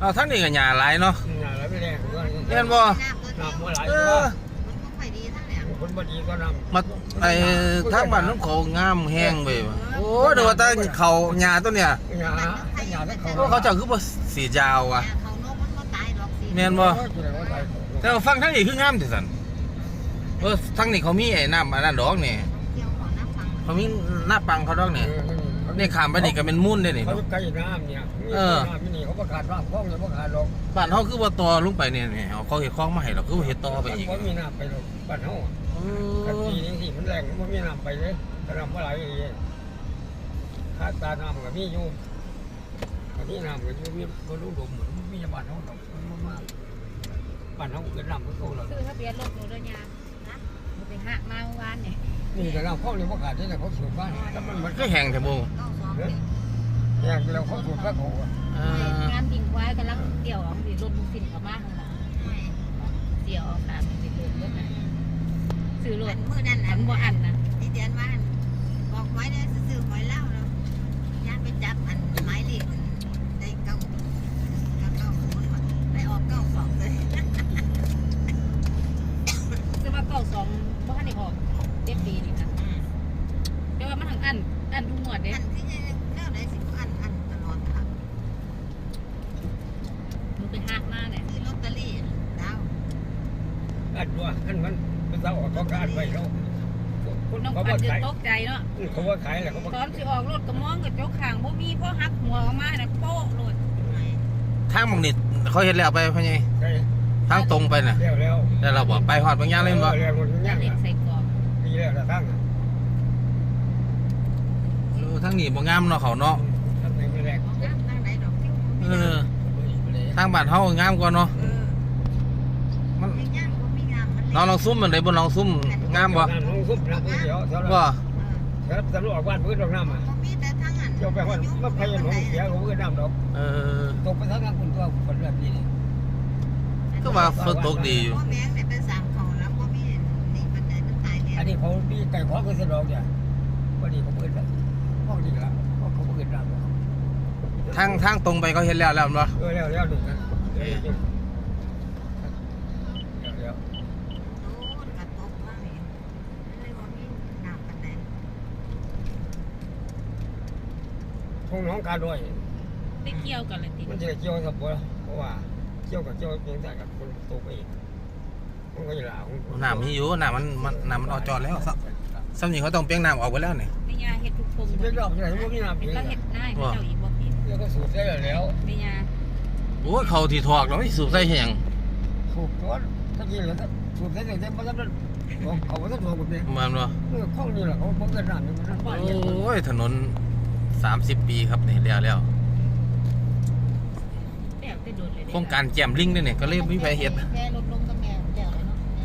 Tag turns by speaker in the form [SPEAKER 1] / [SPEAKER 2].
[SPEAKER 1] เอาทั้งนี้ก็หญ้าหลายเนาะ
[SPEAKER 2] หญ้าหลายไม่แรงก็
[SPEAKER 1] เห็นบ่
[SPEAKER 2] น้ำบ่หลาย
[SPEAKER 1] เอ
[SPEAKER 2] ก็
[SPEAKER 1] อ
[SPEAKER 2] คนบ่ดีก็น้ำ
[SPEAKER 1] มาไอ้ทางบ้านน้องเขางามแห้งไปว่ะโอ้เดี๋ยวว่าแต่เขาหญ้าตัวเนี้ย
[SPEAKER 2] หญ้าทั้งเขา
[SPEAKER 1] โอ้เขาเจ้าคือบ่สียาวว่ะแม่นบ่แต่ว่าฟังทางนี้คืองามที่สุดทางนี้เขามีไอ้น้ำอันนั้นดอกนี่เขามีหน้าปังเขาดอกนี่นี่ข้ามไปนี่ก็เป็นมุ่นได้นี่
[SPEAKER 2] เขาใกล้น้ำเนี่ยน้ำนี่เขาประกาศว่าคลองเนี่ยประกาศหรอก
[SPEAKER 1] บ้านเฮาคือบ่ต่อลงไปเนี่ยเอาเขาเฮ็ดคลองมาให้เราคือบ่เฮ็ดต่อไปอีก
[SPEAKER 2] มันมีน้ำไปหรอกบ้านเฮากันปีนี้สิมันแรงมันมีน้ำไปเลยกระน้ำว่าไหลอย่างเงี้ยค่าตาน้ำก็มีอยู่อันนี้น้ำก็อยู่มีก็รู้ดมเหมือนมีบ้านเฮาดอกมันมากบ้านเฮาเกิดน้ำก็โตแล้ว
[SPEAKER 3] ซื้อทะเบียนรถหนูด้วยยานะหนูไปหักมาเมื่อวานเนี่ย
[SPEAKER 2] นี่แต่น้ำคลองเนี่ยประกาศได้แต่เขาสูบบ้านแล้วมัน
[SPEAKER 1] ก็แห้งแท้บ่
[SPEAKER 2] แยกแล้วเขาสูบแล้วเขา
[SPEAKER 3] งานดิ่งควายกำลังเดี่ยวออกสิรถบุสินเขามาข้างหลังเดี่ยวออกตามสิรถรถนะซื้อรถ
[SPEAKER 4] มือนั่น
[SPEAKER 3] ฉันบ่อันนะ
[SPEAKER 4] ที่เดือนว่าบอกไว้ได้ซื้อหอยเล่าแล้วย่านไปจับอันไม้เหล็กได้เก้าคนไปออกเก้าสองเลย
[SPEAKER 3] ซื้อมาเก้าสองบ่ทันได้ออกเด็บดีนี่นะแต่ว่ามันทั้งอันทุกหมวดเด้
[SPEAKER 4] อันที่เล่าได้สิอันตลอดค่ะ
[SPEAKER 3] หนูไปหักมาเนี่ย
[SPEAKER 4] ซื้อลอตเตอรี่ดาว
[SPEAKER 2] อัดว่าอันมันเป็นเสาออกเขาการไปแล้วคน
[SPEAKER 3] น้อง
[SPEAKER 2] เขา
[SPEAKER 3] ปั
[SPEAKER 2] ว่าน
[SPEAKER 3] จะ
[SPEAKER 2] ขาย
[SPEAKER 3] ตกใจเนาะ
[SPEAKER 2] เขาว่าขายแหละเขาว่า
[SPEAKER 3] ตอนสิออกรถก็มองกระจกข้างบ่มีเพราะหักหัวออกมาเนี่ยโป๊ะโลด
[SPEAKER 1] ทางบางนิดเขาเฮ็ดแล้วไปพ่อใหญ่
[SPEAKER 2] ใช่
[SPEAKER 1] ทางตรงไปน่ะ
[SPEAKER 2] แล้ว
[SPEAKER 1] แล้วเราบอกไปฮอดบางอย่างเลยบ่
[SPEAKER 2] แล้วหมดทุกอ
[SPEAKER 3] แล้
[SPEAKER 2] ย่าว ง
[SPEAKER 3] เด็กใส่กรอบ
[SPEAKER 2] ปีแล้วละทั้ง
[SPEAKER 1] ทางนี้บ่งามเนาะเขาเนาะ
[SPEAKER 2] ทั้งไหนไม่แรง
[SPEAKER 4] น้ำทางไหนดอกที่
[SPEAKER 1] เออทางบ้านเฮางามกว่าเนาะมัน
[SPEAKER 4] ไม่ย่างก็ไม่งามมัน
[SPEAKER 1] น้องลองซุ่มมันได้บ่ลองซุ่มงามบ่
[SPEAKER 2] น้ำลงซุปน้ำเดียวเท่านั้น
[SPEAKER 1] บ่
[SPEAKER 2] ครับตำรวจออกบ้านเพื่อนดอกน้ำอ่ะ
[SPEAKER 4] มีแต่ทางอัน
[SPEAKER 2] เจ้าไปว่ามันพยายามเสียเขาเพื่อนน้ำดอก
[SPEAKER 1] เออ
[SPEAKER 2] ตกไปทั้งนั้นคุณตัวคนแบบนี้
[SPEAKER 1] ก็ว่าฝนตกดีอยู่
[SPEAKER 4] พ่อแม่เนี่ยเป็นสามของแล้วก็มีนี่มันได้มันตายเนี่ย
[SPEAKER 2] อันนี้เขาปีไก่ขอเงินสะดอกเนี่ยพอดีเขาเพื่อนแล้วพอดีละเพราะเขาเพื่อนน้ำ
[SPEAKER 1] ทางตรงไปเขาเฮ็ดแล้วแล้วบ่
[SPEAKER 2] แล้วดูนะแล้ว
[SPEAKER 4] โอ้กระตกมากเลยเลยว่ามีน้ำกันไหน
[SPEAKER 2] ทุ่งน้องกาด้วย
[SPEAKER 3] ได้เกี่ยวกันเลยติ
[SPEAKER 2] มันจะเกี่ยวกับเพราะว่าเกี่ยวกับเพียงแต่กับคนตกไปอีกมันก็จะหลา
[SPEAKER 1] น้ำมีอยู่น้ำมันออกจอดแล้วซ้ำนี่เขาต้องเปียงน้ำออกไปแล้วนี่
[SPEAKER 3] ไม่ยาเฮ็ดทุกทง
[SPEAKER 2] เรื่องรอบที่ไหนพวกนี้น้ำ
[SPEAKER 3] เป็
[SPEAKER 2] เพี
[SPEAKER 3] น
[SPEAKER 2] ยง
[SPEAKER 3] แล้วเฮ็ดได้พระเจ้าอีกบ่ผิด
[SPEAKER 2] แล้วก็สูบได้แล้ว
[SPEAKER 3] ไม่ยา
[SPEAKER 1] โอ้ยเขาที่ถอกเราไม่สูบใส่เฮ็ดหยัง
[SPEAKER 2] สูบตัวถ้ากินแล้วสูบได้แต่ไม่ต้องเขาไม่ต้องสูบแบบนี้
[SPEAKER 1] แม่นบ่
[SPEAKER 2] เรื่องข้องนี่แหละเขาเกิดน้ำนี่มัน
[SPEAKER 1] โอ้ยถนน30 ปีครับนี่แล้ว
[SPEAKER 3] แล้วแต่โดนเลย
[SPEAKER 1] โครงการแจ่มลิงนี่ก็เลยมีไปเฮ็ด
[SPEAKER 3] แค่รถ